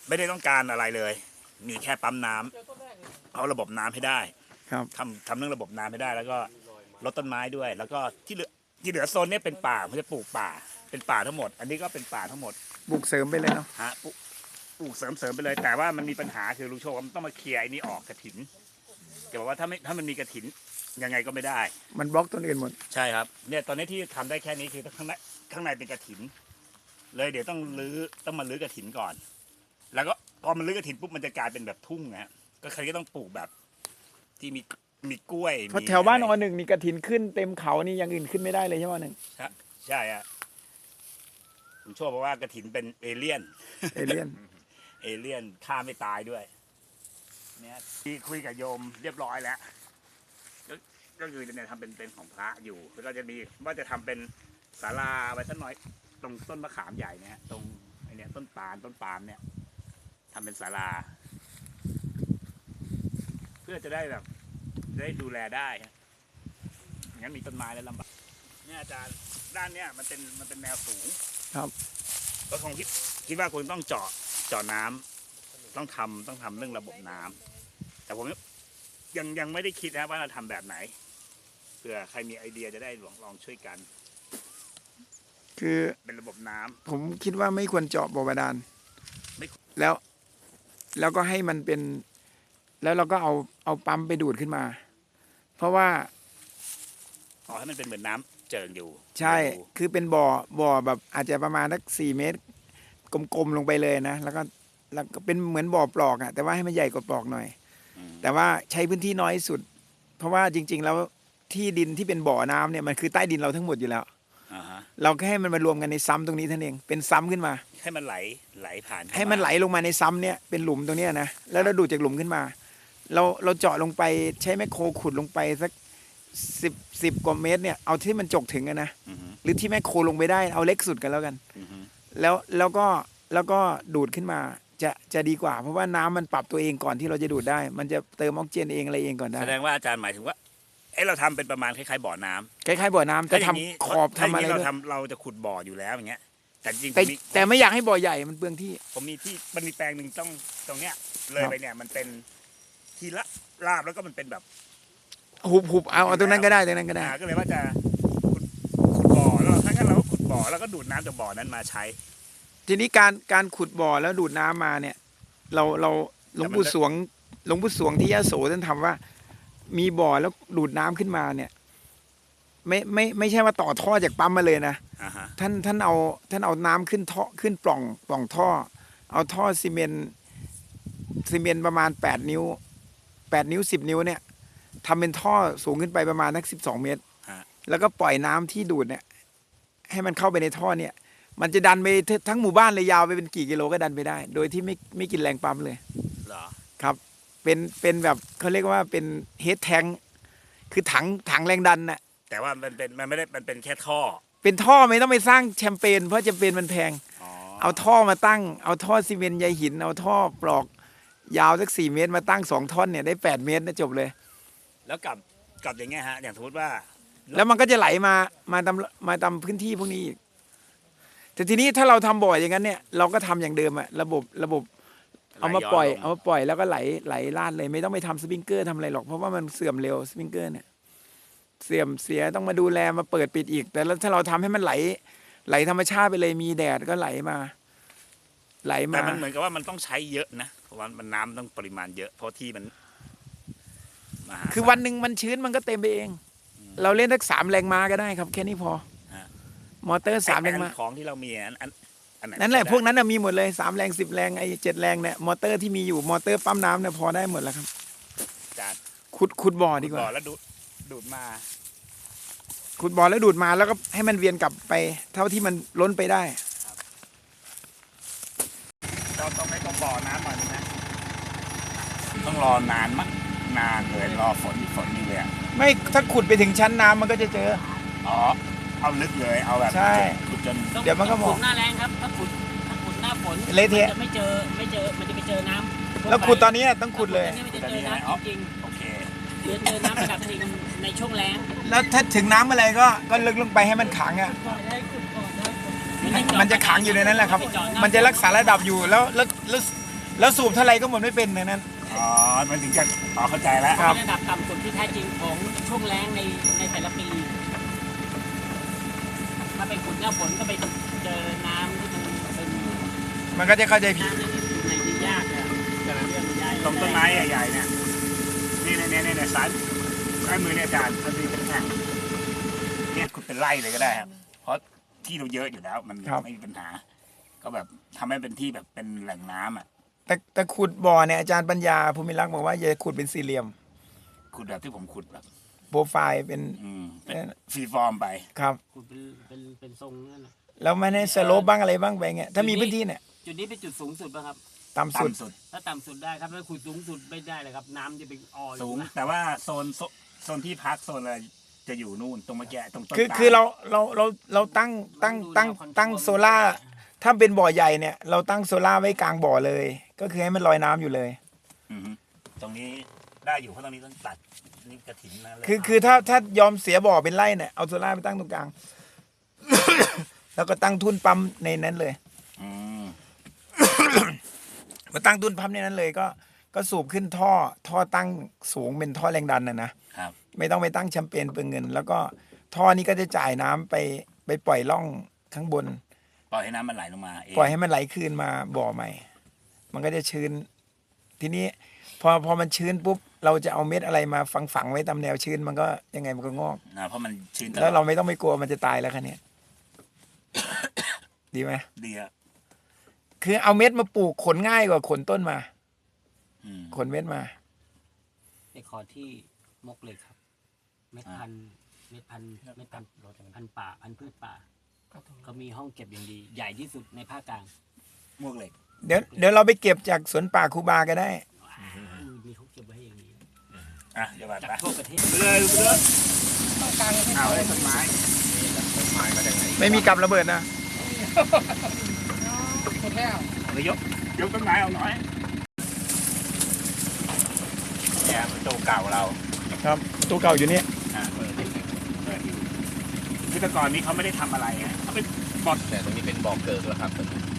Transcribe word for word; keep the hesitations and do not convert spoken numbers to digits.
ไม่ได้ต้องการอะไรเลย มีแค่ปั๊มน้ำเอาระบบน้ำให้ได้ครับทำทำเรื่องระบบน้ำให้ได้ แล้วก็ลดต้นไม้ด้วย แล้วก็ที่เหลือที่เหลือโซนนี้เป็นป่ามันจะปลูกป่าเป็นป่าทั้งหมด อันนี้ก็เป็นป่าทั้งหมดปลูกเสริมไปเลยเนาะฮะปลูกปลูกเสริมเสริมไปเลย แต่ว่ามันมีปัญหาคือลุงโชคมันต้องมาเคลียร์ไอ้นี่ออกกระถินแกบอกว่าถ้าไม่ถ้ามันมีกระถินยังไงก็ไม่ได้มันบล็อกต้นอื่นหมดใช่ครับเนี่ยตอนนี้ที่ทำได้แค่นี้คือข้างในข้างในเป็นกระถิน เลยเดี๋ยวต้องรื้อต้องมารื้อกระถินก่อน แล้วก็พอมันรื้อกระถินปุ๊บมันจะกลายเป็นแบบทุ่งนะฮะก็ใครก็ต้องปลูกแบบ ที่มีมีกล้วยเพราะมีแถวบ้านออะไรหนึ่งนี่กระถินขึ้นเต็มเขานี่อย่างอื่นขึ้นไม่ได้เลยใช่ไหมหนึ่งใช่ใช่อะผมโชคบอกว่ากระถินเป็นเอเลี่ยนเอเลี่ยนเอเลี่ยนฆ่าไม่ตายด้วย เนี่ยที่คุยกับโยมเรียบร้อยแล้ว ก็ก็คือเนี่ยทำเป็นเป็นของพระอยู่ แล้วก็จะมีว่าจะทำเป็นศาลาไว้สักหน่อย ตรงต้นมะขามใหญ่เนี่ยตรงไอเนี่ยต้นปาล์มต้นปาล์มเนี่ยทำเป็นศาลา เพื่อจะได้แบบได้ดูแลได้ฮะงั้นมีต้นไม้แล้วลำบากเนี่ยอาจารย์ด้านเนี่ยมันเป็นมันเป็นแนวสูงครับก็คงคิดคิดว่าคงต้องเจาะเจาะน้ำต้องทำต้องทำเรื่องระบบน้ำแต่ผมยังยังไม่ได้คิดนะว่าเราทำแบบไหนเผื่อใครมีไอเดียจะได้ลองลองช่วยกันคือเป็นระบบน้ำผมคิดว่าไม่ควรเจาะบ่อบาดาลไม่แล้ว แล้วก็ให้มันเป็น แล้วเราก็เอาเอาปั๊มไปดูดขึ้นมา เพราะว่าขอให้มันเป็นเหมือนน้ำเจิ่งอยู่ใช่ดูคือเป็นบ่อ บ่อแบบอาจจะประมาณสักสี่เมตร กลมๆลงไปเลยนะ แล้วก็ แล้วก็เป็นเหมือนบ่อปลอกอะแต่ว่าให้มันใหญ่กว่าปลอกหน่อยอืมแต่ว่าใช้พื้นที่น้อยสุด เพราะว่าจริง ๆ แล้วที่ดินที่เป็นบ่อน้ำเนี่ยมันคือใต้ดินเราทั้งหมดอยู่แล้วอ่าฮะเราแค่ให้มันมารวมกันในซ้ำตรงนี้เท่านั้นเอง เป็นซ้ำขึ้นมาให้มันไหลไหลผ่านเข้าให้มันไหลลงมาในซ้ำเนี่ยเป็นหลุมตรงเนี้ยนะ แล้วเราดูดจากหลุมขึ้นมา เราเราเจาะลงไปใช้แมคโครขุดลงไปสักสิบสิบกว่าเมตรเนี่ยเอาที่มันจกถึงอะนะอือฮึหรือที่แมคโครลงไปได้เอาเล็กสุดกันแล้วกันอือฮึแล้วแล้วก็แล้วก็ดูดขึ้นมาจะจะดีกว่า เพราะว่าน้ำมันปรับตัวเองก่อนที่เราจะดูดได้ มันจะเติมออกซิเจนเองอะไรเองก่อนได้แสดงว่าอาจารย์หมายถึงว่าเอ้เราทำเป็นประมาณคล้ายๆบ่อน้ำคล้ายๆบ่อน้ำแต่ถ้าอย่างนี้ทำขอบถ้าทำย่างอะไรนี้เราด้วยทำเราจะขุดบ่ออยู่แล้วอย่างเงี้ย แต่จริงๆผแต่มมีแต่ไม่อยากให้บ่อใหญ่มันเปลืองที่ผมมีที่มันมีแปลงหนึ่งต้องตรงเนี้ยเลยครับไปเนี่ยมันเป็นทีละลาบแล้วก็มันเป็นแบบหุบหุบเอาเอาตรงนั้นก็ได้ตรงนั้นก็ได้อ่าก็เลยว่าจะขุดขุดบ่อแล้วถ้างั้นเราก็ขุดบ่อแล้วก็ดูดน้ำจากบ่อนั้นมาใช้ทีนี้การการขุดบ่อแล้วดูดน้ำมาเนี่ย เราเราหลวงปู่สวงหลวงปู่สวงที่ยะโสท่านทำว่า มีบ่อแล้วดูดน้ำขึ้นมาเนี่ย ไม่ไม่ไม่ใช่ว่าต่อท่อจากปั๊มมาเลยนะอ่าฮะท่านท่านเอาท่านเอาน้ำขึ้นท่อขึ้นปล่องปล่องท่อ เอาท่อซีเมนต์ซีเมนต์ประมาณแปดนิ้วแปดนิ้วสิบนิ้วเนี่ยทำเป็นท่อสูงขึ้นไปประมาณนักสิบสองเมตรฮะแล้วก็ปล่อยน้ำที่ดูดเนี่ย ให้มันเข้าไปในท่อเนี่ย มันจะดันไปทั้งหมู่บ้านเลยยาวไปเป็นกี่กิโลก็ดันไปได้ โดยที่ไม่ไม่กินแรงปั๊มเลยเหรอครับ เป็นเป็นแบบเขาเรียกว่าเป็นเฮดแทงคือถังถังแรงดันน่ะแต่ว่ามันเป็นมันไม่ได้มันเป็นแค่ท่อเป็นท่อไม่ต้องไปสร้างแชมเปญเพราะแชมเปญมันแพงอ๋อเอาท่อมาตั้ง เอาท่อซีเมนต์ใยหิน เอาท่อปลอกยาวสักสี่เมตรมาตั้งสองท่อนเนี่ยได้แปดเมตรนะจบเลยแล้วกับกับอย่างเงี้ยฮะอย่างสมมติว่าแล้วมันก็จะไหลมามาตามมาตามพื้นที่พวกนี้อีกแต่ทีนี้ถ้าเราทำบ่อยอย่างนั้นเนี่ยเราก็ทำอย่างเดิมอะระบบระบบ เอามาปล่อยเอามาปล่อยแล้วก็ไหลไหลลาดเลย ไม่ต้องไปทำสปริงเกอร์ทำอะไรหรอกเพราะว่ามันเสื่อมเร็วสปริงเกอร์เนี่ยเสื่อมเสียต้องมาดูแลมาเปิดปิดอีก แต่แล้วถ้าเราทำให้มันไหล ไหลธรรมชาติไปเลยมีแดดก็ไหลมา ไหลแต่มามันเหมือนกับว่ามันต้องใช้เยอะนะเพราะว่ามันน้ำต้องปริมาณเยอะเพราะที่มันมหาศาลคือวันหนึ่งมันชื้นมันก็เต็มไปเอง เราเล่นทักสามแรงม้าก็ได้ครับ แค่นี้พอฮะมอเตอร์สามแรงม้าของที่เรามีอันอันอันไหนนั่นแหละใช้ได้พวกนั้นน่ะมีหมดเลยสามแรงสิบแรงไอ้เจ็ดแรงเนี่ยมอเตอร์ที่มีอยู่มอเตอร์ปั๊มน้ำเนี่ยพอได้หมดแล้วครับอาจารย์ขุดขุดบ่อดีกบ่อว่าแล้วดูดดูดมาขุดบ่อแล้วดูดมาแล้วก็ให้มันเวียนกลับไป เท่าที่มันล้นไปได้เราต้องไม่ต้องบ่อน้ำมาใช่ไหมต้องรอนานมั้งนานเลยรอฝนฝนนี่เลยอะไม่ถ้าขุดไปถึงชั้นน้ำมันก็จะเจออ๋อเอาลึกเลยเอาแบบใช่ขุดจนต้องเดี๋ยวมันก็บอกขุดหน้าแรงครับ ถ้าขุดถ้าขุดหน้าฝนเละเทะมันจะไม่เจอไม่เจอมันจะไปเจอน้ำแล้วขุดตอนนี้ต้องขุดเลยอันนี้มันจะเจอน้ำจริงโอเคๆเจอเจอน้ำระดับจริงในช่วงแล้งแล้วถ้าถึงน้ำอะไรก็ก็ลึกลงไปให้มันขังอ่ะ มันจะขังอยู่ในนั้นแหละครับ มันจะรักษาระดับอยู่แล้วแล้วแล้วแล้วสูบเท่าไรก็หมดไม่เป็นในนั้นอ๋อมันถึงจะอ๋อเข้าใจแล้วครับเป็นระดับต่ำสุดที่แท้จริงของช่วงแล้งในในแต่ละปี ถ้าไปขุดหน้าฝนก็ไปเจอน้ำที่มันเป็นมันก็จะเข้าใจผิดน้ำที่อยู่ในดินยากเนี่ยเรื่องใหญ่ตรงต้นไม้ใหญ่ๆเนี่ยนี่เนี่ยเนี่ยเนี่ยซ้ายซ้ายมือเนี่ยอาจารย์มันมีเป็นแท่งเนี่ยขุดเป็นไร่เลยก็ได้ครับเพราะที่เราเยอะอยู่แล้วมันครับไม่มีปัญหา ก็แบบทำให้เป็นที่แบบเป็นแหล่งน้ำอ่ะแต่แต่ขุดบ่อเนี่ยอาจารย์ปัญญาภูมิรักษ์บอกว่าอย่าขุดเป็นสี่เหลี่ยมขุดแบบที่ผมขุดแบบโปรไฟล์เป็นอืมเป็นฟรีฟอร์มไปครับขุดเป็นเป็นเป็นทรงนั่นน่ะแล้วไม่ให้สโลปบ้างอะไรบ้างไปเงี้ยถ้ามีพื้นที่เนี่ยจุดนี้เป็นจุดสูงสุดป่ะครับต่ำสุดต่ำสุดถ้าต่ำสุดได้ครับถ้าขุดสูงสุดไม่ได้เลยครับ น้ำจะไปอออยู่สูงนะแต่ว่าโซนโซโซนที่พักโซนอะไรจะอยู่นู่นตรงเมื่อกี้ตรงต้นคือตลคือเราเราเราเราตั้งตั้งตั้งตั้งโซล่าถ้าเป็นบ่อใหญ่เนี่ยเราตั้งโซล่าไว้กลางบ่อเลย ก็คือให้มันลอยน้ำอยู่เลยอือฮึตรงนี้ได้อยู่เพราะตรงนี้ต้องตัดนี่กระถินนะเลยคือคือถ้าถ้ายอมเสียบ่อเป็นไร่เนี่ยเอาโซล่าไปตั้งตรงกลาง แล้วก็ตั้งทุ่นปั๊มในนั้นเลยอืมมาตั้งทุ่นปั๊มในนั้นเลยก็ก็สูบขึ้นท่อท่อตั้งสูงเป็นท่อแรงดันนะนะครับ ไม่ต้องไปตั้งแชมเปญเปลืองเงิน แล้วก็ท่อนี้ก็จะจ่ายน้ำไปไปปล่อยล่องข้างบนปล่อยให้น้ำมันไหลลงมาเองปล่อยให้มันไหลคืนมาบ่อใหม่ มันก็จะชื้น ทีนี้พอพอมันชื้นปุ๊บเราจะเอาเม็ดอะไรมาฝังฝังๆไว้ตามแนวชื้นมันก็ยังไงมันก็งอกนะเพราะมันชื้นตแล้วลเราอดไม่ต้องไปกลัวมันจะตายแล้วคันนี้ ดีไหมดีอะคือเอาเม็ดมาปลูกขนง่ายกว่าขนต้นมาอืมขนเม็ดมาไปขอที่มกเลยครับ เม็ดพันธุ์เม็ดพันธุ์เม็ดพันธุ์พันธุ์ป่าพันธุ์พืชป่าก็มีห้องเก็บอย่างดี ใหญ่ที่สุดในภาคกลางมวกเหล็กเดี๋ยวเดี๋ยวเราไปเก็บจากสวนป่าครูบาก็ได้อืมมีเขาเก็บไว้ให้อย่างนี้อ่ะเดี๋ยวมาจากไปทั่วประเทศไปเลยไปเลยเอาไอ้ต้นไม้ไม่มีกับระเบิดนะเดี๋ยวยกยกต้นไม้เอาหน่อยเนี่ยประตูเก่าเราครับตัวเก่าอยู่นี่อ่าเปิดเปิดอยู่คือแต่ก่อนนี้เขาไม่ได้ทำอะไรไงเขาเป็นบอดแต่ตรงนี้เป็นบ่อเกิดแล้วครับ